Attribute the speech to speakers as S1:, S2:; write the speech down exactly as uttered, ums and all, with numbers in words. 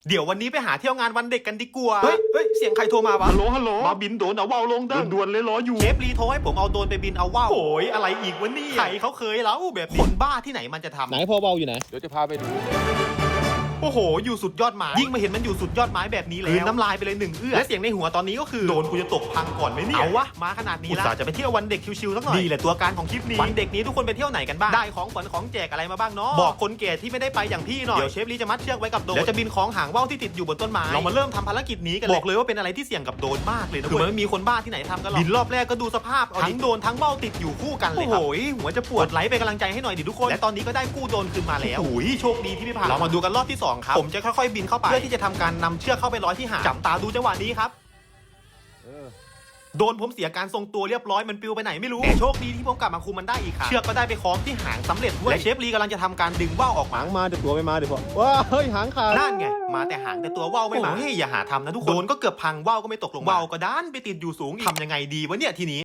S1: เดี๋ยววันนี้ไปหาเที่ยวงานวันเด็กกันดีกว่าเฮ้ยเฮ้ยเสียงใครโทรมาวะฮัลโหลฮัลโหลมาบินโดนเอาว่าวลงเด้อด่วนเลยรออยู่เชฟรีโทรให้ผมเอาโดนไปบินเอาว่าวโอ้ยอะไรอีกวะนี่ใครเขาเคยแล้วแบบคนบ้าที่ไหนมันจะทำ
S2: ไหนพอเบาอยู่ไหน
S3: เดี๋ยวจะพาไปดู
S1: โอ้โหอยู่สุดยอดไม้ยิ่งมาเห็นมันอยู่สุดยอดไม้แบบนี้แล้วน้ำลายไปเลยหนึ่งเอื้อและเสียงในหัวตอนนี้ก็คือโดนกูจะตกพังก่อนไหมเนี่ยเอาวะมาขนาดนี้แล้วจะไปเที่ยววันเด็กชิวๆสักหน่อยนี่แหละตัวการของคลิปนี้วันเด็กนี้ทุกคนไปเที่ยวไหนกันบ้างได้ของขวัญของแจกอะไรมาบ้างเนาะบอกคนแก่ที่ไม่ได้ไปอย่างพี่หน่อยเดี๋ยวเชฟลีจะมัดเชือกไว้กับโดนแล้วจะบินของหางว่าวที่ติดอยู่บนต้นไม้เรามาเริ่มทำภารกิจนี้กันบอกเลยว่าเป็นอะไรที่เสี่ยงกับโดนมากเลยนะคือมันไม่มีคนบ้าที่ไหนทำกันหรอกบินรอบแรกก็ดูสภาพเอาทั้งโดนทั้งว่าวติดอยู่คู่กันเลยครับโอ้ยหัวจะปวดไหลไปกำลังใจให้หน่อยดิทุกคนและตอนนี้ก็ได้กู้โดนคืนมาแล้วโอ้ยโชคดีที่ไม่ผ่านเรามาดูกันรอบที่สองครับผมจะค่อยๆบินเข้าไปเพื่อที่จะทำการนำเชือกเข้าไปร้อยที่หางจับตาดูจังหวะนี้ครับโดนผมเสียการทรงตัวเรียบร้อยมันปลิวไปไหนไม่รู้แต่โชคดีที่ผมกลับมาคุมมันได้อีกครั้งเชือกก็ได้ไปคล้องที่หางสำเร็จด้วยและเชฟลีกำลังจะทำการดึงว่าวออกมา
S2: หางมาเดี๋ยวตัวไม่มาเดี๋ยวพอว้าเฮ้ยหางขาด
S1: นั่นไงมาแต่หางแต่ตัวว่าวไม่มาเฮ้ยอย่าหาทำนะทุกคนโดนก็เกือบพังว่าวก็ไม่ตกลงว่าวก็ด้านไปติดอยู่สูงอีกทำยังไงดีวะเนี่ยทีนี้